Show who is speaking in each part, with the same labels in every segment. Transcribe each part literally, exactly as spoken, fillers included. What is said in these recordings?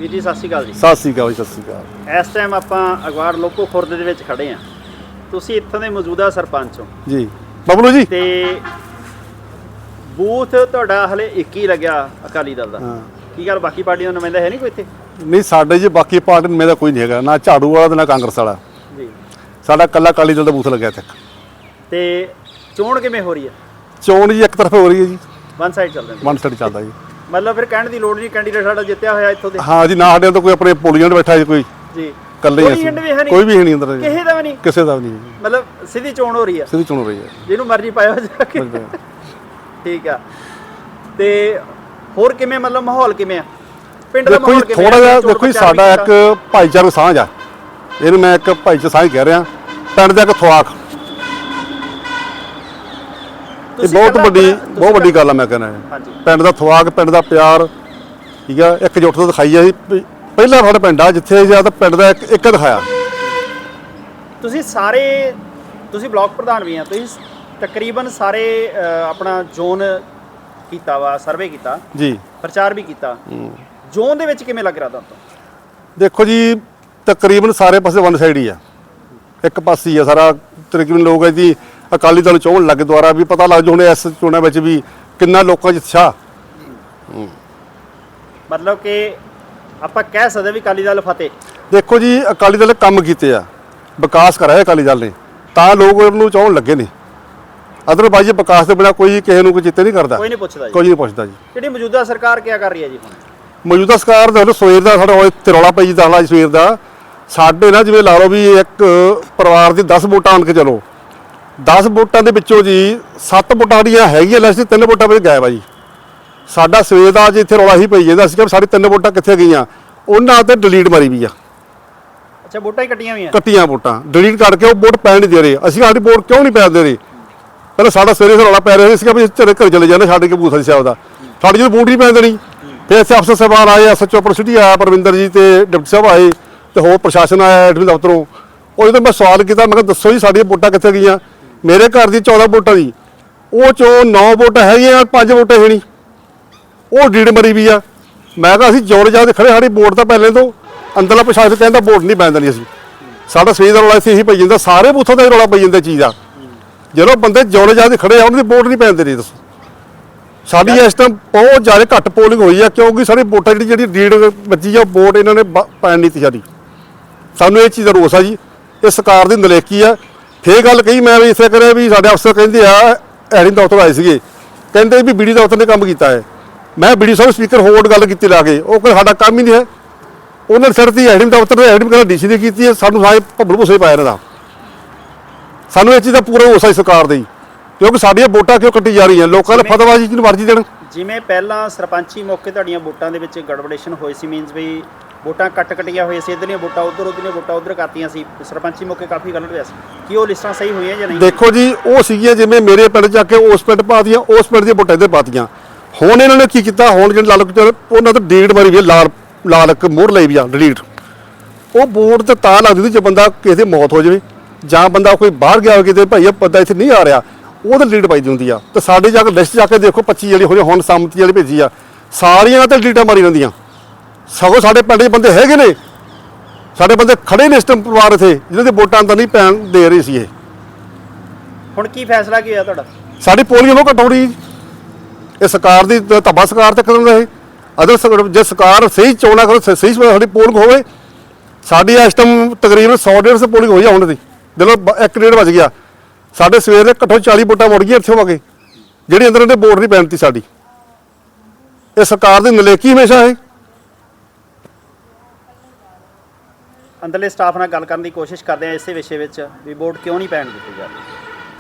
Speaker 1: ਵੀਰ ਜੀ ਸਤਿ ਸ਼੍ਰੀ ਅਕਾਲ ਜੀ।
Speaker 2: ਸਤਿ ਸ਼੍ਰੀ ਅਕਾਲ ਜੀ, ਸਤਿ ਸ਼੍ਰੀ ਅਕਾਲ।
Speaker 1: ਇਸ ਟਾਈਮ ਆਪਾਂ ਅਗਵਾੜ ਲੋਕੋ ਖੁਰਦ ਦੇ ਵਿੱਚ ਖੜੇ ਆ। ਤੁਸੀਂ ਇੱਥੋਂ ਦੇ ਮੌਜੂਦਾ ਸਰਪੰਚ ਹੋ
Speaker 2: ਜੀ ਬਬਲੂ ਜੀ।
Speaker 1: ਤੇ ਬੂਥ ਤੁਹਾਡਾ ਹਲੇ ਇੱਕ ਹੀ ਲੱਗਿਆ ਅਕਾਲੀ ਦਲ ਦਾ।
Speaker 2: ਹਾਂ
Speaker 1: ਕੀ ਗੱਲ ਬਾਕੀ ਪਾਰਟੀਆਂ ਦਾ ਨੁਮਾਇੰਦਾ ਹੈ ਨਹੀਂ ਕੋਈ ਇੱਥੇ?
Speaker 2: ਨਹੀਂ ਸਾਡੇ ਜੀ ਬਾਕੀ ਪਾਰਟੀ ਨੂੰ ਮੇਰਾ ਕੋਈ ਨਹੀਂ ਹੈਗਾ, ਨਾ ਝਾੜੂ ਵਾਲਾ ਤੇ ਨਾ ਕਾਂਗਰਸ ਵਾਲਾ
Speaker 1: ਜੀ।
Speaker 2: ਸਾਡਾ ਕੱਲਾ ਅਕਾਲੀ ਦਲ ਦਾ ਬੂਥ ਲੱਗਿਆ ਇੱਥੇ।
Speaker 1: ਤੇ ਚੋਣ ਕਿਵੇਂ ਹੋ ਰਹੀ ਹੈ?
Speaker 2: ਚੋਣ ਜੀ ਇੱਕ ਤਰਫ ਹੋ ਰਹੀ ਹੈ ਜੀ,
Speaker 1: ਵਨ ਸਾਈਡ ਚੱਲ ਰਹੀ
Speaker 2: ਵਨ ਸਾਈਡ ਚੱਲਦਾ ਜੀ।
Speaker 1: ਮਤਲਬ ਫਿਰ ਕਹਿਣ ਦੀ ਲੋੜ ਨਹੀਂ, ਕੈਂਡੀਡੇਟ ਸਾਡਾ ਜਿੱਤਿਆ ਹੋਇਆ ਇੱਥੋਂ ਦੇ।
Speaker 2: ਹਾਂ ਜੀ, ਨਾ ਸਾਡੇ ਤੋਂ ਕੋਈ ਆਪਣੇ ਪੋਲੀਆਂ ਬੈਠਾ ਜੀ, ਕੋਈ
Speaker 1: ਜੀ
Speaker 2: ਇਕੱਲੇ
Speaker 1: ਕੋਈ
Speaker 2: ਅਸੀਂ,
Speaker 1: ਏਜੰਟ ਵੀ ਹੈ ਨਹੀਂ,
Speaker 2: ਕੋਈ ਵੀ ਹੈ ਨਹੀਂ ਅੰਦਰ,
Speaker 1: ਕਿਸੇ ਦਾ ਵੀ ਨਹੀਂ,
Speaker 2: ਕਿਸੇ ਦਾ ਵੀ ਨਹੀਂ।
Speaker 1: ਮਤਲਬ ਸਿੱਧੀ ਚੋਣ ਹੋ ਰਹੀ ਹੈ,
Speaker 2: ਸਿੱਧੀ ਚੋਣ ਹੋ ਰਹੀ ਹੈ,
Speaker 1: ਜਿਹਨੂੰ ਮਰਜ਼ੀ ਪਾਇਆ ਜਾ ਕੇ। ਠੀਕ ਆ। ਤੇ ਹੋਰ ਕਿਵੇਂ ਮਤਲਬ ਮਾਹੌਲ ਕਿਵੇਂ ਆ ਪਿੰਡ ਦਾ?
Speaker 2: ਦੇਖੋ ਜੀ ਥੋੜਾ ਜਿਹਾ ਦੇਖੋ ਜੀ, ਸਾਡਾ ਇੱਕ ਭਾਈਚਾਰਕ ਸਾਂਝ ਆ, ਇਹਨੂੰ ਮੈਂ ਇੱਕ ਭਾਈਚਾਰਕ ਸਾਂਝ ਕਹਿ ਰਿਹਾ। ਪਿੰਡ ਦਾ ਇੱਕ ਥਵਾਕ, ਇਹ ਬਹੁਤ ਵੱਡੀ ਬਹੁਤ ਵੱਡੀ ਗੱਲ ਆ। ਮੈਂ ਕਹਿੰਦਾ ਪਿੰਡ ਦਾ ਥਵਾਕ, ਪਿੰਡ ਦਾ ਪਿਆਰ, ਠੀਕ ਆ, ਇੱਕਜੁੱਟਤਾ ਦਿਖਾਈ ਆ। ਪਹਿਲਾ ਸਾਡਾ ਪਿੰਡ ਆ ਜਿੱਥੇ ਜਾਂ ਤਾਂ ਪਿੰਡ ਦਾ ਇੱਕ ਇੱਕ ਦਿਖਾਇਆ।
Speaker 1: ਤੁਸੀਂ ਸਾਰੇ ਤੁਸੀਂ ਬਲਾਕ ਪ੍ਰਧਾਨ ਵੀ ਆ, ਤੁਸੀਂ ਤਕਰੀਬਨ ਸਾਰੇ ਆਪਣਾ ਜ਼ੋਨ ਕੀਤਾ ਵਾ, ਸਰਵੇ ਕੀਤਾ
Speaker 2: ਜੀ,
Speaker 1: ਪ੍ਰਚਾਰ ਵੀ ਕੀਤਾ। ਜ਼ੋਨ ਦੇ ਵਿੱਚ ਕਿਵੇਂ ਲੱਗ ਰਿਹਾ ਤੁਹਾਨੂੰ?
Speaker 2: ਦੇਖੋ ਜੀ ਤਕਰੀਬਨ ਸਾਰੇ ਪਾਸੇ ਵਨ ਸਾਈਡ ਹੀ ਆ, ਇੱਕ ਪਾਸੇ ਹੀ ਆ ਸਾਰਾ। ਤਕਰੀਬਨ ਲੋਕ ਹੈ ਜੀ ਅਕਾਲੀ ਦਲ ਚੋਣ ਲੱਗ ਦੁਆਰਾ ਵੀ ਪਤਾ ਲੱਗ ਜੂ ਹੁਣ ਇਸ ਚੋਣਾਂ ਵਿੱਚ ਵੀ ਕਿੰਨਾ ਲੋਕਾਂ 'ਚ ਉਤਸ਼ਾਹ।
Speaker 1: ਮਤਲਬ ਕਿ ਆਪਾਂ ਕਹਿ ਸਕਦੇ ਵੀ ਅਕਾਲੀ ਦਲ ਫਤਿਹ।
Speaker 2: ਦੇਖੋ ਜੀ ਅਕਾਲੀ ਦਲ ਨੇ ਕੰਮ ਕੀਤੇ ਆ, ਵਿਕਾਸ ਕਰਾਇਆ ਅਕਾਲੀ ਦਲ ਨੇ, ਤਾਂ ਲੋਕ ਉਹਨੂੰ ਚਾਹਣ ਲੱਗੇ ਨੇ। ਅਦਰਵਾਈਜ਼ ਵਿਕਾਸ ਦੇ ਬਿਨਾਂ ਕੋਈ ਕਿਸੇ ਨੂੰ ਕੋਈ ਚਿੱਤੇ ਨਹੀਂ ਕਰਦਾ,
Speaker 1: ਕੋਈ ਨਹੀਂ ਪੁੱਛਦਾ ਜੀ,
Speaker 2: ਕੋਈ ਨਹੀਂ ਪੁੱਛਦਾ ਜੀ।
Speaker 1: ਜਿਹੜੀ ਮੌਜੂਦਾ ਸਰਕਾਰ ਕੀ ਕਰ ਰਹੀ ਹੈ ਜੀ ਹੁਣ?
Speaker 2: ਮੌਜੂਦਾ ਸਰਕਾਰ ਦੇ ਸਵੇਰ ਦਾ ਸਾਡਾ ਇੱਥੇ ਰੌਲਾ ਪਈ ਦਾ ਸਵੇਰ ਦਾ। ਸਾਡੇ ਨਾ ਜਿਵੇਂ ਲਾ ਲਓ ਵੀ ਇੱਕ ਪਰਿਵਾਰ ਦੀ ਦਸ ਵੋਟਾਂ ਆਣ ਕੇ ਚਲੋ, ਦਸ ਵੋਟਾਂ ਦੇ ਵਿੱਚੋਂ ਜੀ ਸੱਤ ਵੋਟਾਂ ਸਾਡੀਆਂ ਹੈਗੀਆਂ ਲਿਸਟ, ਤਿੰਨ ਵੋਟਾਂ ਵਿੱਚ ਗਾਇਬ ਆ ਜੀ। ਸਾਡਾ ਸਵੇਰ ਦਾ ਅੱਜ ਇੱਥੇ ਰੌਲਾ ਹੀ ਪਈ ਜਾਂਦਾ, ਅਸੀਂ ਕਿ ਸਾਡੀ ਤਿੰਨ ਵੋਟਾਂ ਕਿੱਥੇ ਗਈਆਂ, ਉਹਨਾਂ ਤੇ ਡਿਲੀਟ ਮਾਰੀ ਵੀ ਆ।
Speaker 1: ਅੱਛਾ, ਵੋਟਾਂ ਹੀ ਕੱਟੀਆਂ ਹੋਈਆਂ? ਕੱਟੀਆਂ
Speaker 2: ਵੋਟਾਂ ਡਿਲੀਟ ਕਰਕੇ ਉਹ ਵੋਟ ਪੈਣ ਨਹੀਂ ਦੇ ਰਹੇ। ਅਸੀਂ ਸਾਡੀ ਵੋਟ ਕਿਉਂ ਨਹੀਂ ਪੈਣ ਦੇ ਰਹੇ? ਪਹਿਲਾਂ ਸਾਡਾ ਸਵੇਰੇ ਰੌਲਾ ਪੈ ਰਿਹਾ ਸੀ ਕਿ ਵੀ ਘਰੇ ਘਰ ਚਲੇ ਜਾਂਦੇ ਛੱਡ ਕੇ ਬੂਥ ਸੀ ਸਾਹਿਬ ਦਾ, ਸਾਡੀ ਜਦੋਂ ਵੋਟ ਨਹੀਂ ਪੈਣ ਦੇਣੀ। ਫਿਰ ਇੱਥੇ ਅਫਸਰ ਸਾਹਿਬਾਨ ਆਏ, ਐਸ ਐਚ ਓ ਪ੍ਰਸਿਟੀ ਆਇਆ ਪਰਵਿੰਦਰ ਜੀ, ਤੇ ਡਿਪਟੀ ਸਾਹਿਬ ਆਏ, ਤੇ ਹੋਰ ਪ੍ਰਸ਼ਾਸਨ ਆਇਆ ਐਡਮਿਨ ਦਫ਼ਤਰੋਂ। ਉਹ ਜਦੋਂ ਮੈਂ ਸਵਾਲ ਕੀਤਾ, ਮੈਂ ਕਿਹਾ ਦੱਸੋ ਜੀ ਸਾਡੀਆਂ ਵੋਟਾਂ ਕਿੱਥੇ ਗਈਆਂ? ਮੇਰੇ ਘਰ ਦੀ ਚੌਦਾਂ ਵੋਟਾਂ ਦੀ, ਉਹ ਚੋਂ ਨੌ ਵੋਟਾਂ ਹੈਗੀਆਂ, ਪੰਜ ਵੋਟਾਂ ਹੈ ਨਹੀਂ, ਉਹ ਡੀਡ ਮਰੀ ਵੀ ਆ। ਮੈਂ ਕਿਹਾ ਅਸੀਂ ਜੋੜ ਜਾ ਕੇ ਖੜੇ, ਸਾਡੀ ਵੋਟ ਤਾਂ ਪਹਿਲੇ ਤੋਂ ਅੰਦਰਲਾ ਪ੍ਰਸ਼ਾਸਨ ਕਹਿੰਦਾ ਵੋਟ ਨਹੀਂ ਪੈਣ ਦੇਣੀ ਅਸੀਂ। ਸਾਡਾ ਸਵੇਰ ਦਾ ਰੌਲਾ ਇੱਥੇ ਇਹੀ ਪਈ ਜਾਂਦਾ, ਸਾਰੇ ਬੂਥਾਂ ਦਾ ਰੌਲਾ ਪਈ ਜਾਂਦਾ ਚੀਜ਼ ਆ। ਜਦੋਂ ਬੰਦੇ ਜੋੜੇ ਜਾ ਕੇ ਖੜੇ ਆ, ਉਹਨਾਂ ਦੀ ਵੋਟ ਨਹੀਂ ਪੈਣ ਦੇਣੀ। ਦੱਸੋ ਸਾਡੀ ਇਸ ਟਾਈਮ ਬਹੁਤ ਜ਼ਿਆਦਾ ਘੱਟ ਪੋਲਿੰਗ ਹੋਈ ਆ, ਕਿਉਂਕਿ ਸਾਡੀ ਵੋਟਾਂ ਜਿਹੜੀ ਜਿਹੜੀ ਡੀਡ ਬੱਜੀ ਆ, ਵੋਟ ਇਹਨਾਂ ਨੇ ਪੈਣ ਨਹੀਂ ਤੀ ਸਾਡੀ। ਸਾਨੂੰ ਇਹ ਚੀਜ਼ ਦਾ ਰੋਸ ਆ ਜੀ, ਇਹ ਸਰਕਾਰ ਦੀ ਨਲਾਇਕੀ ਆ। ਫੇਰ ਗੱਲ ਕਹੀ ਮੈਂ ਵੀ ਇਸੇ ਕਰਿਆ ਵੀ ਸਾਡੇ ਅਫਸਰ ਕਹਿੰਦੇ ਆ, ਐਡਿੰਗ ਦਫ਼ਤਰ ਆਏ ਸੀਗੇ, ਕਹਿੰਦੇ ਵੀ ਬੀਡੀ ਦਫ਼ਤਰ ਨੇ ਕੰਮ ਕੀਤਾ ਹੈ। ਮੈਂ ਬੀਡੀ ਸਾਹਿਬ ਸਪੀਕਰ ਹੋਲਡ ਗੱਲ ਕੀਤੀ ਲਾ ਕੇ, ਉਹ ਕਹਿੰਦੇ ਸਾਡਾ ਕੰਮ ਹੀ ਨਹੀਂ ਹੈ। ਉਹਨਾਂ ਨੇ ਸਿਰ ਦੀ ਐਡਿੰਗ ਦਫ਼ਤਰ ਨੇ ਐਡਿੰਗ ਕਹਿੰਦਾ ਡੀਸੀ ਨੇ ਕੀਤੀ ਹੈ, ਸਾਨੂੰ ਸਾਰੇ ਭੱਬਲ ਭੁੱਸੇ ਪਾਇਆ ਇਹਨਾਂ ਦਾ। ਸਾਨੂੰ ਇਹ ਚੀਜ਼ ਦਾ ਪੂਰਾ ਰੋਸ ਆ ਸਰਕਾਰ ਦੇ, ਕਿਉਂਕਿ ਸਾਡੀਆਂ ਵੋਟਾਂ ਕਿਉਂ ਕੱਟੀ ਜਾ ਰਹੀਆਂ, ਲੋਕਾਂ ਦਾ ਫਤਵਾਜੀ ਜਿਹਨੂੰ ਮਰਜ਼ੀ ਦੇਣ।
Speaker 1: ਜਿਵੇਂ ਪਹਿਲਾਂ ਸਰਪੰਚੀ ਮੌਕੇ ਤੁਹਾਡੀਆਂ ਵੋਟਾਂ ਦੇ ਵਿੱਚ ਗੜਬੜੇਸ਼ਨ ਹੋਈ ਸੀ, ਮੀਨਸ ਵੀ ਵੋਟਾਂ ਕੱਟ ਕੱਟੀਆਂ ਹੋਈਆਂ ਸੀ, ਇੱਧਰਲੀਆਂ ਵੋਟਾਂ ਉੱਧਰ, ਉੱਧਰਲੀਆਂ ਵੋਟਾਂ ਉੱਧਰ ਕਰਤੀਆਂ ਸੀ, ਸਰਪੰਚੀ ਮੌਕੇ ਕਾਫੀ ਗਲਤ ਹੋਇਆ ਸੀ। ਕੀ ਉਹ ਲਿਸਟਾਂ ਸਹੀ ਹੋਈਆਂ ਜਾਂ ਨਹੀਂ? ਦੇਖੋ
Speaker 2: ਜੀ ਉਹ ਸੀਗੀਆਂ ਜਿਵੇਂ ਮੇਰੇ ਪਿੰਡ ਜਾ ਕੇ ਉਸ ਪਿੰਡ ਪਾਤੀਆਂ, ਉਸ ਪਿੰਡ ਦੀਆਂ ਵੋਟਾਂ ਇੱਧਰ ਪਾਤੀਆਂ। ਹੁਣ ਇਹਨਾਂ ਨੇ ਕੀ ਕੀਤਾ, ਹੁਣ ਜਿਹੜੇ ਲਾਲ ਉਹਨਾਂ ਤੋਂ ਡਿਲੀਟ ਮਾਰੀ ਵੀ ਆ, ਲਾਲ ਲਾਲ ਇੱਕ ਮੋਹਰ ਲਈ ਵੀ ਆ ਡਿਲੀਟ। ਉਹ ਵੋਟ ਤੇ ਤਾਂ ਲੱਗਦੀ ਸੀ ਜੇ ਬੰਦਾ ਕਿਸੇ ਦੀ ਮੌਤ ਹੋ ਜਾਵੇ ਜਾਂ ਬੰਦਾ ਕੋਈ ਬਾਹਰ ਗਿਆ ਹੋਵੇ ਕਿਤੇ, ਭਾਈ ਇਹ ਬੰਦਾ ਇੱਥੇ ਨਹੀਂ ਆ ਰਿਹਾ, ਉਹਦੇ ਡਿਲੀਟ ਪਾਈ ਦੀ ਹੁੰਦੀ ਆ। ਤੇ ਸਾਡੇ ਜਾ ਕੇ ਲਿਸਟ ਜਾ ਕੇ ਦੇਖੋ ਪੱਚੀ ਜਿਹੜੀ ਹੋਈ ਹੁਣ ਸੰਮਤੀ ਵਾਲੀ ਭੇਜੀ ਆ, ਸਾਰੀਆਂ ਤੇ ਡਿਲੀਟਾਂ ਮਾਰੀ ਜਾਂਦੀਆਂ। ਸਗੋਂ ਸਾਡੇ ਪਿੰਡ ਦੇ ਬੰਦੇ ਹੈਗੇ ਨੇ, ਸਾਡੇ ਬੰਦੇ ਖੜੇ ਨੇ ਇਸ ਟਾਈਮ ਪਰਿਵਾਰ ਇੱਥੇ, ਜਿਹਨਾਂ ਦੀ ਵੋਟਾਂ ਤਾਂ ਨਹੀਂ ਪੈਣ ਦੇ ਰਹੀ ਸੀ। ਇਹ
Speaker 1: ਹੁਣ ਕੀ ਫੈਸਲਾ ਕੀ ਹੋਇਆ ਤੁਹਾਡਾ?
Speaker 2: ਸਾਡੀ ਪੋਲਿੰਗ ਉਹ ਘਟਾਉਣੀ, ਇਹ ਸਰਕਾਰ ਦੀ ਧੱਬਾ ਸਰਕਾਰ ਤੇ ਕਦੋਂ ਰਹੇ। ਅਦਰ ਜੇ ਸਰਕਾਰ ਸਹੀ ਚੋਣਾਂ ਕਰੋ, ਸਹੀ ਸਾਡੀ ਪੋਲਿੰਗ ਹੋਵੇ। ਸਾਡੀ ਇਸ ਟਾਈਮ ਤਕਰੀਬਨ ਸੌ ਡੇਢ ਸੌ ਪੋਲਿੰਗ ਹੋਈ ਆ ਹੁਣ ਦੀ, ਜਦੋਂ ਇੱਕ ਡੇਢ ਵੱਜ ਗਿਆ। ਸਾਡੇ ਸਵੇਰ ਦੇ ਘੱਟੋ ਚਾਲੀ ਵੋਟਾਂ ਮੁੜ ਗਈਆਂ ਇੱਥੇ ਹੋ ਕੇ, ਜਿਹੜੀ ਅੰਦਰ ਉਹਨੇ ਵੋਟ ਨਹੀਂ ਪੈਣਤੀ ਸਾਡੀ। ਇਹ ਸਰਕਾਰ ਦੀ ਨਲਾਇਕੀ ਹਮੇਸ਼ਾ ਹੈ।
Speaker 1: ਅੰਦਰਲੇ ਸਟਾਫ ਨਾਲ ਗੱਲ ਕਰਨ ਦੀ ਕੋਸ਼ਿਸ਼ ਕਰਦੇ ਆ ਇਸੇ ਵਿਸ਼ੇ ਵਿੱਚ ਵੀ ਵੋਟ ਕਿਉਂ ਨਹੀਂ ਪੈਣ ਦਿੱਤੀ ਜਾ ਰਹੀ।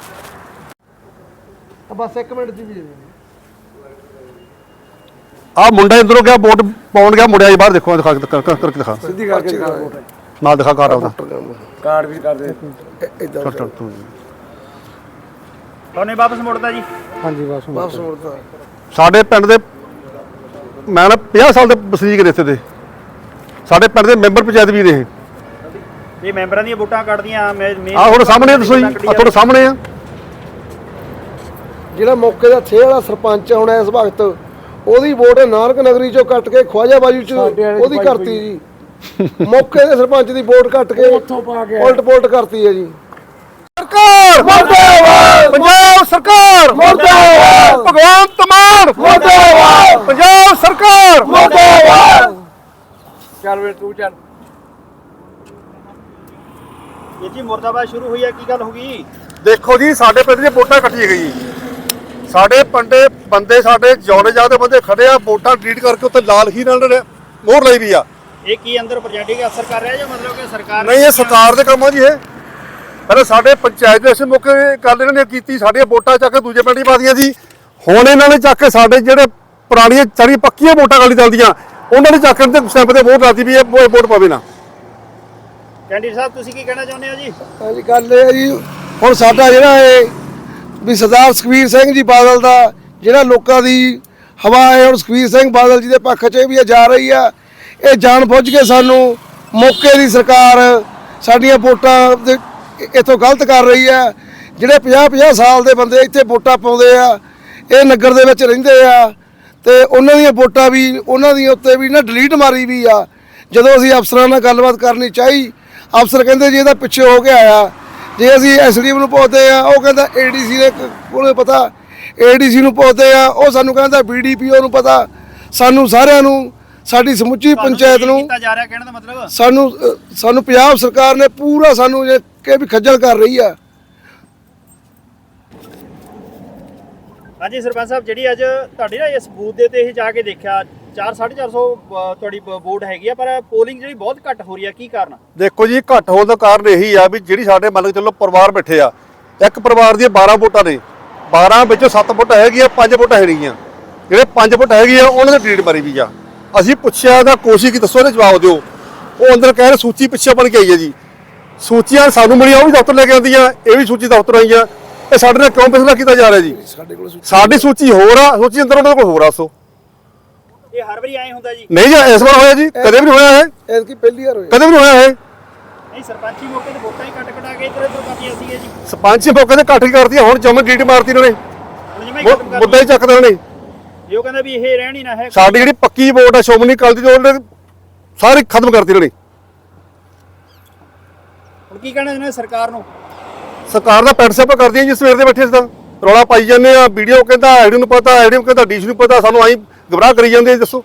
Speaker 3: ਬਸ ਇੱਕ ਮਿੰਟ ਜੀ ਵੀ
Speaker 2: ਆਹ ਮੁੰਡਾ ਅੰਦਰੋਂ ਗਿਆ ਵੋਟ ਪਾਉਣ ਗਿਆ, ਮੁੜਿਆ ਜੀ ਬਾਹਰ। ਦੇਖੋ ਦਿਖਾ ਕਰਕੇ ਦਿਖਾ,
Speaker 3: ਸਿੱਧੀ ਕਰਕੇ
Speaker 2: ਨਾਲ ਦਿਖਾ ਕਾਰਡ ਆਪਦਾ,
Speaker 3: ਕਾਰਡ ਵੀ ਕਰਦੇ ਇਦਾਂ।
Speaker 1: ਤੁਹਾਨੂੰ ਵਾਪਸ ਮੁੜਦਾ ਜੀ?
Speaker 3: ਹਾਂਜੀ ਵਾਪਸ ਵਾਪਸ ਮੁੜਦਾ।
Speaker 2: ਸਾਡੇ ਪਿੰਡ ਦੇ ਮੈਂ ਨਾ ਪੰਜਾਹ ਸਾਲ ਦੇ ਵਸਨੀਕ ਨੇ ਇੱਥੇ ਦੇ, ਸਾਡੇ ਪਿੰਡ ਦੇ ਮੈਂਬਰ ਪੰਚਾਇਤ ਵੀ ਨੇ।
Speaker 1: ਇਹ ਮੈਂਬਰਾਂ ਦੀਆਂ ਵੋਟਾਂ ਕੱਢਦੀਆਂ
Speaker 2: ਆਹ ਤੁਹਾਡੇ ਸਾਹਮਣੇ ਦੱਸੋ ਜੀ, ਆਹ ਤੁਹਾਡੇ ਸਾਹਮਣੇ ਆ।
Speaker 3: ਜਿਹੜਾ ਮੌਕੇ ਦਾ ਥੇ ਵਾਲਾ ਸਰਪੰਚ ਹੁਣ ਇਸ ਵਕਤ ਉਹਦੀ ਵੋਟ ਨਾਨਕ ਨਗਰੀ ਚੋਂ ਕੱਟ ਕੇ ਖਵਾਜਾ ਬਾਜੂ ਚ ਉਹਦੀ ਕਰਤੀ ਜੀ। ਮੌਕੇ ਦੇ ਸਰਪੰਚ ਦੀ ਵੋਟ ਕੱਟ ਕੇ
Speaker 4: ਉੱਥੋਂ ਪਾ ਕੇ
Speaker 3: ਉਲਟ ਪੁਲਟ ਕਰਤੀ ਹੈ ਜੀ।
Speaker 2: ਸਰਕਾਰ ਮੁਰਦਾਬਾਦ, ਪੰਜਾਬ ਸਰਕਾਰ
Speaker 3: ਮੁਰਦਾਬਾਦ,
Speaker 2: ਭਗਵੰਤ ਮਾਨ
Speaker 3: ਮੁਰਦਾਬਾਦ,
Speaker 2: ਪੰਜਾਬ ਸਰਕਾਰ
Speaker 3: ਮੁਰਦਾਬਾਦ।
Speaker 4: ਚੱਲ ਵੇ ਤੂੰ ਚੱਲ।
Speaker 1: ਇਹ ਜੀ ਮੁਰਦਾਬਾਦ ਸ਼ੁਰੂ ਹੋਈ ਹੈ, ਕੀ ਗੱਲ ਹੋ ਗਈ?
Speaker 2: ਦੇਖੋ ਜੀ, ਸਾਡੇ ਪਿੰਡ ਦੀਆਂ ਵੋਟਾਂ ਕੱਟੀਆਂ ਗਈ। ਸਾਡੇ ਪੰਡੇ ਬੰਦੇ ਸਾਡੇ ਜੌੜੇ ਜਾਦੇ ਬੰਦੇ ਖੜੇ ਆ, ਵੋਟਾਂ ਡਿਲੀਟ ਕਰਕੇ ਉੱਤੇ ਲਾਲ ਹੀ ਨਾਲ ਮੋਹਰ ਲਈ ਵੀ ਆ।
Speaker 1: ਇਹ ਕੀ ਅੰਦਰ ਪ੍ਰੈਜ਼ੈਂਟਿੰਗ ਅਸਰ ਕਰ ਰਿਹਾ ਜਾਂ ਮਤਲਬ ਕਿ ਸਰਕਾਰ
Speaker 2: ਨਹੀਂ, ਇਹ ਸਰਕਾਰ ਦੇ ਕੰਮ ਆ ਜੀ। ਇਹ ਪਹਿਲਾਂ ਸਾਡੇ ਪੰਚਾਇਤ ਦੇ ਮੌਕੇ ਗੱਲ ਇਹਨਾਂ ਨੇ ਕੀਤੀ, ਸਾਡੀਆਂ ਵੋਟਾਂ ਚੱਕ ਕੇ ਦੂਜੇ ਪਿੰਡ ਹੀ ਪਾ ਦੀਆਂ ਜੀ। ਹੁਣ ਇਹਨਾਂ ਨੇ ਚੱਕ ਕੇ ਸਾਡੇ ਜਿਹੜੇ ਪੁਰਾਣੀਆਂ ਸਾਰੀਆਂ ਪੱਕੀਆਂ ਵੋਟਾਂ ਗਾਲੀ ਚੱਲਦੀਆਂ, ਉਹਨਾਂ ਨੇ ਚੱਕ ਕੇ ਤੇ ਸਟੈਂਪ ਤੇ ਵੋਟ ਲਾਤੀ ਵੀ ਇਹ ਵੋਟ ਪਵੇ ਨਾ।
Speaker 1: ਕੈਂਡੀਡੇਟ ਸਾਹਿਬ ਤੁਸੀਂ ਕੀ ਕਹਿਣਾ ਚਾਹੁੰਦੇ ਹੋ ਜੀ?
Speaker 3: ਹਾਂਜੀ, ਗੱਲ ਇਹ ਹੈ ਜੀ, ਹੁਣ ਸਾਡਾ ਜਿਹੜਾ ਇਹ ਵੀ ਸਰਦਾਰ ਸੁਖਬੀਰ ਸਿੰਘ ਜੀ ਬਾਦਲ ਦਾ ਜਿਹੜਾ ਲੋਕਾਂ ਦੀ ਹਵਾ ਹੈ, ਹੁਣ ਸੁਖਬੀਰ ਸਿੰਘ ਬਾਦਲ ਜੀ ਦੇ ਪੱਖ 'ਚ ਵੀ ਇਹ ਜਾ ਰਹੀ ਆ। ਇਹ ਜਾਣ ਬੁੱਝ ਕੇ ਸਾਨੂੰ ਮੌਕੇ ਦੀ ਸਰਕਾਰ ਸਾਡੀਆਂ ਵੋਟਾਂ ਦੇ ਇੱਥੋਂ ਗਲਤ ਕਰ ਰਹੀ ਆ। ਜਿਹੜੇ ਪੰਜਾਹ ਪੰਜਾਹ ਸਾਲ ਦੇ ਬੰਦੇ ਇੱਥੇ ਵੋਟਾਂ ਪਾਉਂਦੇ ਆ, ਇਹ ਨਗਰ ਦੇ ਵਿੱਚ ਰਹਿੰਦੇ ਆ, ਤੇ ਉਹਨਾਂ ਦੀਆਂ ਵੋਟਾਂ ਵੀ ਉਹਨਾਂ ਦੀਆਂ ਉੱਤੇ ਵੀ ਨਾ ਡਿਲੀਟ ਮਾਰੀ ਵੀ ਆ। ਜਦੋਂ ਅਸੀਂ ਅਫਸਰਾਂ ਨਾਲ ਗੱਲਬਾਤ ਕਰਨੀ ਚਾਹੀ, ਅਫਸਰ ਕਹਿੰਦੇ ਜੀ ਇਹਦਾ ਪਿੱਛੇ ਹੋ ਕੇ ਆਇਆ। ਜੇ ਅਸੀਂ ਐਸਡੀਐਮ ਨੂੰ ਪੁੱਛਦੇ ਆ, ਉਹ ਕਹਿੰਦਾ ਏਡੀਸੀ ਦੇ ਕੋਲੇ ਪਤਾ, ਏਡੀਸੀ ਨੂੰ ਪੁੱਛਦੇ ਆ, ਉਹ ਸਾਨੂੰ ਕਹਿੰਦਾ ਬੀਡੀਪੀਓ ਨੂੰ ਪਤਾ। ਸਾਨੂੰ ਸਾਰਿਆਂ ਨੂੰ, ਸਾਡੀ ਸਮੁੱਚੀ ਪੰਚਾਇਤ ਨੂੰ
Speaker 1: ਕੀਤਾ ਜਾ ਰਿਹਾ, ਕਹਿਣ ਦਾ ਮਤਲਬ
Speaker 3: ਸਾਨੂੰ ਅ, ਸਾਨੂੰ ਪੰਜਾਬ ਸਰਕਾਰ ਨੇ ਪੂਰਾ ਸਾਨੂੰ ਇਹ ਕਿ ਵੀ ਖੱਜਲ ਕਰ ਰਹੀ ਆ।
Speaker 1: ਹਾਂਜੀ ਸਰਪੰਚ ਸਾਹਿਬ, ਜਿਹੜੀ ਅੱਜ ਤੁਹਾਡੀ ਨਾ ਇਸ ਬੂਥ ਦੇ ਤੇ ਇਹ ਜਾ ਕੇ ਦੇਖਿਆ, ਚਾਰ ਸਾਢੇ ਚਾਰ ਸੌ ਤੁਹਾਡੀ ਵੋਟ ਹੈਗੀ ਆ, ਪਰ ਪੋਲਿੰਗ ਜਿਹੜੀ ਬਹੁਤ ਘੱਟ ਹੋ ਰਹੀ ਆ, ਕੀ ਕਾਰਨ?
Speaker 2: ਦੇਖੋ ਜੀ, ਘੱਟ ਹੋਣ ਦਾ ਕਾਰਨ ਇਹੀ ਆ ਵੀ ਜਿਹੜੀ ਸਾਡੇ ਮੰਨ ਕੇ ਚੱਲੋ ਪਰਿਵਾਰ ਬੈਠੇ ਆ, ਇੱਕ ਪਰਿਵਾਰ ਦੀਆਂ ਬਾਰਾਂ ਵੋਟਾਂ ਨੇ, ਬਾਰਾਂ ਵਿੱਚੋਂ ਸੱਤ ਵੋਟਾਂ ਹੈਗੀਆਂ, ਪੰਜ ਵੋਟਾਂ ਹੈ ਨਹੀਂਆਂ। ਜਿਹੜੇ ਪੰਜ ਵੋਟ ਹੈਗੀਆਂ ਉਹਨਾਂ ਦੀ ਡਿਲੀਟ ਮਾਰੀ ਵੀ ਆ। ਅਸੀਂ ਪੁੱਛਿਆ ਤਾਂ ਕੋਸ਼ਿਸ਼ ਕੀ ਦੱਸੋ, ਇਹਦੇ ਜਵਾਬ ਦਿਓ। ਉਹ ਅੰਦਰ ਕਹਿ ਰਹੇ ਸੂਚੀ ਪਿੱਛੇ ਬਣ ਕੇ ਆਈ ਹੈ ਜੀ। ਸੂਚੀਆਂ ਸਾਨੂੰ ਮਿਲੀਆਂ, ਉਹ ਵੀ ਦਫ਼ਤਰ ਲੈ ਕੇ ਆਉਂਦੀਆਂ, ਇਹ ਵੀ ਸੂਚੀ ਦਫ਼ਤਰ ਆਈਆਂ। ਇਹ ਸਾਡੇ ਨਾਲ ਕਿਉਂ ਫੈਸਲਾ ਕੀਤਾ ਜਾ ਰਿਹਾ ਜੀ?
Speaker 3: ਸਾਡੇ ਕੋਲ
Speaker 2: ਸਾਡੀ ਸੂਚੀ ਹੋਰ ਆ, ਸੂਚੀ ਅੰਦਰ ਉਹਨਾਂ ਕੋਲ ਹੋਰ ਆ। ਸੋ
Speaker 1: ਇਹ ਹਰ ਵਾਰੀ ਐਂ ਹੁੰਦਾ ਜੀ?
Speaker 2: ਨਹੀਂ ਜੀ, ਇਸ ਵਾਰ ਹੋਇਆ ਜੀ, ਕਦੇ ਵੀ ਨਹੀਂ ਹੋਇਆ ਇਹ,
Speaker 3: ਐਤਕੀ ਪਹਿਲੀ ਵਾਰ ਹੋਇਆ।
Speaker 2: ਕਦੇ ਵੀ ਨਹੀਂ ਹੋਇਆ ਇਹ।
Speaker 1: ਨਹੀਂ, ਸਰਪੰਚੀ ਮੌਕੇ ਤੇ ਵੋਟਾਂ ਹੀ ਕੱਟ ਕਟਾ ਕੇ ਇੱਧਰ ਇੱਧਰ ਕਰਦੀਆਂ ਸੀਗੇ ਜੀ।
Speaker 2: ਸਰਪੰਚ ਮੌਕੇ ਤੇ ਇਕੱਠ ਹੀ ਕਰਦੀ ਆ, ਹੁਣ ਜਮਨ ਡਿਲੀਟ ਮਾਰਤੀ ਇਹਨਾਂ ਨੇ,
Speaker 1: ਹੁਣ ਜਿਵੇਂ ਹੀ ਖਤਮ ਕਰ
Speaker 2: ਮੁੱਦਾ ਹੀ ਚੱਕਦੇ ਉਹਨਾਂ ਨੇ।
Speaker 1: ਇਹ ਉਹ ਕਹਿੰਦਾ ਵੀ ਇਹ ਰਹਿਣ ਹੀ ਨਾ ਹੈ।
Speaker 2: ਸਾਡੀ ਜਿਹੜੀ ਪੱਕੀ ਵੋਟ ਆ ਸ਼੍ਰੋਮਣੀ ਅਕਾਲੀ ਦੀ, ਉਹਨੇ ਸਾਰੀ ਖਤਮ ਕਰਤੀ ਇਹਨਾਂ ਨੇ।
Speaker 1: ਹੁਣ ਕੀ ਕਹਿਣਾ ਇਹਨਾਂ ਨੇ ਸਰਕਾਰ ਨੂੰ?
Speaker 2: ਸਰਕਾਰ ਦਾ ਪੈਟ ਸੈਪ ਕਰਦੀ ਹੈ ਜੀ, ਸਵੇਰ ਦੇ ਬੈਠੇ ਸੀ ਤਾਂ ਰੌਲਾ ਪਾਈ ਜਾਂਦੇ ਆ। ਵੀਡੀਓ ਕਹਿੰਦਾ ਆਈਡੀ ਨੂੰ ਪਤਾ, ਆਈਡੀ ਨੂੰ ਕਹਿੰਦਾ ਡੀਸ਼ ਨੂੰ ਪਤਾ, ਸਾਨੂੰ ਆਈ ਗਮਰਾਹ ਕਰੀ ਜਾਂਦੇ। ਦੱਸੋ,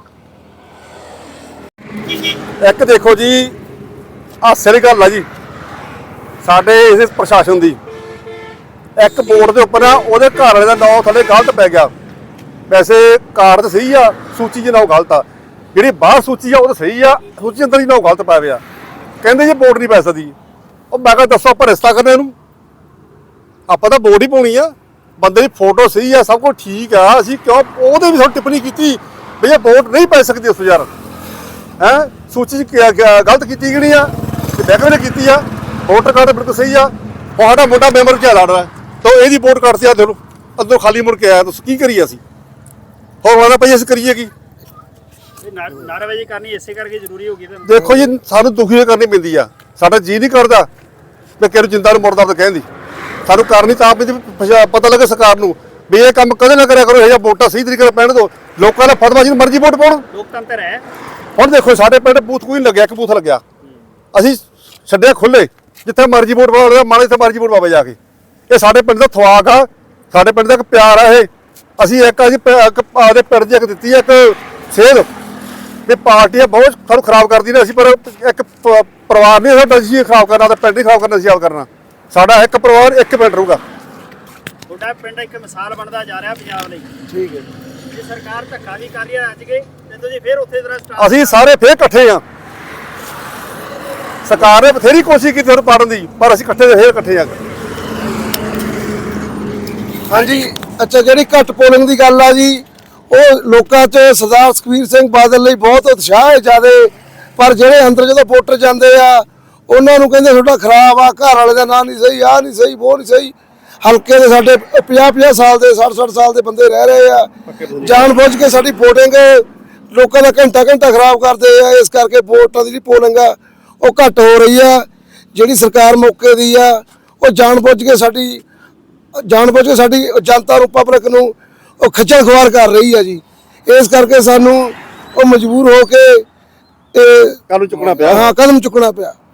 Speaker 2: ਇੱਕ ਦੇਖੋ ਜੀ, ਹਾਸੇ ਵਾਲੀ ਗੱਲ ਆ ਜੀ ਸਾਡੇ ਇਸ ਪ੍ਰਸ਼ਾਸਨ ਦੀ। ਇੱਕ ਬੋਰਡ ਦੇ ਉੱਪਰ ਆ, ਉਹਦੇ ਘਰ ਵਾਲੇ ਦਾ ਨਾਮ ਥੱਲੇ ਗਲਤ ਪੈ ਗਿਆ। ਵੈਸੇ ਕਾਰਡ ਤਾਂ ਸਹੀ ਆ, ਸੂਚੀ 'ਚ ਨਾਮ ਗਲਤ ਆ। ਜਿਹੜੀ ਬਾਹਰ ਸੂਚੀ ਆ ਉਹ ਤਾਂ ਸਹੀ ਆ, ਸੂਚੀ ਅੰਦਰ ਹੀ ਨਾਮ ਗਲਤ ਪਾਇਆ ਪਿਆ। ਕਹਿੰਦੇ ਜੀ ਵੋਟ ਨਹੀਂ ਪੈ ਸਕਦੀ। ਉਹ ਮੈਂ ਕਿਹਾ ਦੱਸੋ ਆਪਾਂ ਰਿਸ਼ਤਾ ਕਰਨਾ ਇਹਨੂੰ? ਆਪਾਂ ਤਾਂ ਵੋਟ ਹੀ ਪਾਉਣੀ ਆ। ਬੰਦੇ ਦੀ ਫੋਟੋ ਸਹੀ ਆ, ਸਭ ਕੁਝ ਠੀਕ ਆ, ਅਸੀਂ ਕਿਉਂ ਉਹਦੇ ਵੀ ਸਾਨੂੰ ਟਿੱਪਣੀ ਕੀਤੀ ਵੀ ਇਹ ਵੋਟ ਨਹੀਂ ਪੈ ਸਕਦੀ ਉਸ ਯਾਰ? ਹੈ ਸੂਚੀ 'ਚ ਗਲਤ ਕੀਤੀ ਗਈ ਆ, ਬੈਂਕ ਨੇ ਕੀਤੀ ਆ, ਵੋਟਰ ਕਾਰਡ ਬਿਲਕੁਲ ਸਹੀ ਆ। ਸਾਡਾ ਮੋਟਾ ਮੈਂਬਰ ਕਿਆ ਲੜ ਰਿਹਾ ਤਾਂ ਇਹਦੀ ਵੋਟ ਕੱਟਦੀ ਆ, ਦੇਖੋ ਅੰਦਰੋਂ ਖਾਲੀ ਮੁੜ ਕੇ ਆਇਆ। ਤੁਸੀਂ ਕੀ ਕਰੀਏ ਅਸੀਂ? ਹੋਰ ਵਾਲਾ ਭਾਈ ਅਸੀਂ ਕਰੀਏ ਕੀ?
Speaker 1: ਨਾਅਰੇਬਾਜ਼ੀ ਕਰਨੀ ਇਸੇ ਕਰਕੇ ਜ਼ਰੂਰੀ ਹੋ ਗਈ ਤਾਂ
Speaker 2: ਦੇਖੋ ਜੀ, ਸਾਨੂੰ ਦੁਖੀ ਕਰਨੀ ਪੈਂਦੀ ਆ। ਸਾਡਾ ਜੀ ਨਹੀਂ ਕਰਦਾ ਵੀ ਕਿਹਨੂੰ ਜਿੰਦਾ ਨੂੰ ਮੁਰਦਾ ਤਾਂ ਕਹਿੰਦੀ। ਸਾਨੂੰ ਕਰਨੀ ਤਾਂ ਆਪ ਪਤਾ ਲੱਗੇ ਸਰਕਾਰ ਨੂੰ ਵੀ ਇਹ ਕੰਮ ਕਦੇ ਨਾ ਕਰਿਆ ਕਰੋ। ਇਹ ਜਿਹਾ ਵੋਟਾਂ ਸਹੀ ਤਰੀਕੇ ਨਾਲ ਪੈਣ ਦਿਓ। ਲੋਕਾਂ ਦਾ ਫਤਵਾ ਜਿਹਨੂੰ ਮਰਜ਼ੀ ਵੋਟ ਪਾਉਣ।
Speaker 1: ਲੋਕਤੰਤਰ ਹੈ।
Speaker 2: ਹੁਣ ਦੇਖੋ ਸਾਡੇ ਪਿੰਡ ਬੂਥ ਕੋਈ ਨਹੀਂ ਲੱਗਿਆ, ਇੱਕ ਬੂਥ ਲੱਗਿਆ। ਅਸੀਂ ਛੱਡਿਆ ਖੁੱਲੇ, ਜਿੱਥੇ ਮਰਜ਼ੀ ਵੋਟ ਪਾਉਣਾ ਮਾਣੇ ਜਿੱਥੇ ਮਰਜ਼ੀ ਵੋਟ ਪਾਵੇ ਜਾ ਕੇ। ਇਹ ਸਾਡੇ ਪਿੰਡ ਦਾ ਥਵਾਕ ਆ, ਸਾਡੇ ਪਿੰਡ ਦਾ ਇੱਕ ਪਿਆਰ ਆ। ਇਹ ਅਸੀਂ ਇੱਕ ਅਸੀਂ ਆਪਦੇ ਪਿੰਡ 'ਚ ਇੱਕ ਦਿੱਤੀ ਆ ਇੱਕ ਸੇਧ ਵੀ ਪਾਰਟੀਆਂ ਬਹੁਤ ਸਾਨੂੰ ਖਰਾਬ ਕਰਦੀ ਨੇ। ਅਸੀਂ ਪਰ ਇੱਕ ਪਰਿਵਾਰ ਨਹੀਂ ਸਾਡਾ, ਅਸੀਂ ਖਰਾਬ ਕਰਨਾ ਤੇ ਪਿੰਡ ਨਹੀਂ ਖਰਾਬ ਕਰਨਾ, ਅਸੀਂ ਆਪ ਕਰਨਾ। ਸਾਡਾ ਇੱਕ ਪਰਿਵਾਰ ਇੱਕ ਪਿੰਡ ਰਹੂਗਾ।
Speaker 1: ਤੁਹਾਡਾ ਪਿੰਡ ਇੱਕ ਮਿਸਾਲ ਬਣਦਾ ਜਾ ਰਿਹਾ ਪੰਜਾਬ ਲਈ।
Speaker 3: ਠੀਕ ਹੈ
Speaker 1: ਜੇ ਸਰਕਾਰ ਧੱਕਾ ਵੀ ਕਰ ਰਹੀ ਹੈ ਅੱਜ ਕੇ, ਤੇ ਤੁਸੀਂ ਫੇਰ ਉੱਥੇ ਤਰ੍ਹਾਂ ਸਟਾਰਟ।
Speaker 2: ਅਸੀਂ ਸਾਰੇ ਫੇਰ ਇਕੱਠੇ ਆ। ਸਰਕਾਰ ਨੇ ਬਥੇਰੀ ਕੋਸ਼ਿਸ਼ ਕੀਤੀ ਸਾਨੂੰ ਪਾੜਨ ਦੀ, ਪਰ ਅਸੀਂ ਇਕੱਠੇ ਦੇ ਫੇਰ ਇਕੱਠੇ ਆ।
Speaker 3: ਹਾਂਜੀ, ਅੱਛਾ, ਜਿਹੜੀ ਘੱਟ ਪੋਲਿੰਗ ਦੀ ਗੱਲ ਆ ਜੀ, ਉਹ ਲੋਕਾਂ 'ਚ ਸਰਦਾਰ ਸੁਖਬੀਰ ਸਿੰਘ ਬਾਦਲ ਲਈ ਬਹੁਤ ਉਤਸ਼ਾਹ ਹੈ ਜ਼ਿਆਦੇ। ਪਰ ਜਿਹੜੇ ਅੰਦਰ ਜਦੋਂ ਵੋਟਰ ਜਾਂਦੇ ਆ, ਉਹਨਾਂ ਨੂੰ ਕਹਿੰਦੇ ਤੁਹਾਡਾ ਖਰਾਬ ਆ, ਘਰ ਵਾਲੇ ਦਾ ਨਾਂ ਨਹੀਂ ਸਹੀ, ਆਹ ਨਹੀਂ ਸਹੀ, ਉਹ ਨਹੀਂ ਸਹੀ। ਹਲਕੇ ਦੇ ਸਾਡੇ ਪੰਜਾਹ ਪੰਜਾਹ ਸਾਲ ਦੇ, ਸੱਠ ਸੱਠ ਸਾਲ ਦੇ ਬੰਦੇ ਰਹਿ ਰਹੇ ਆ। ਜਾਣ ਬੁੱਝ ਕੇ ਸਾਡੀ ਵੋਟਿੰਗ ਲੋਕਾਂ ਦਾ ਘੰਟਾ ਘੰਟਾ ਖਰਾਬ ਕਰਦੇ ਆ। ਇਸ ਕਰਕੇ ਵੋਟਾਂ ਦੀ ਜਿਹੜੀ ਪੋਲਿੰਗ ਆ ਉਹ ਘੱਟ ਹੋ ਰਹੀ ਆ। ਜਿਹੜੀ ਸਰਕਾਰ ਮੌਕੇ ਦੀ ਆ, ਉਹ ਜਾਣ ਬੁੱਝ ਕੇ ਸਾਡੀ ਜਾਣ ਬੁੱਝ ਕੇ ਸਾਡੀ ਜਨਤਾ ਨੂੰ, ਪਬਲਿਕ ਨੂੰ ਉਹ ਖੱਜਲ ਖੁਆਰ ਕਰ ਰਹੀ ਆ ਜੀ। ਇਸ ਕਰਕੇ ਸਾਨੂੰ ਉਹ ਮਜਬੂਰ ਹੋ ਕੇ ਇਹ
Speaker 2: ਕੱਲ ਨੂੰ ਚੁੱਕਣਾ ਪਿਆ
Speaker 3: ਹਾਂ ਕਦਮ ਚੁੱਕਣਾ ਪਿਆ।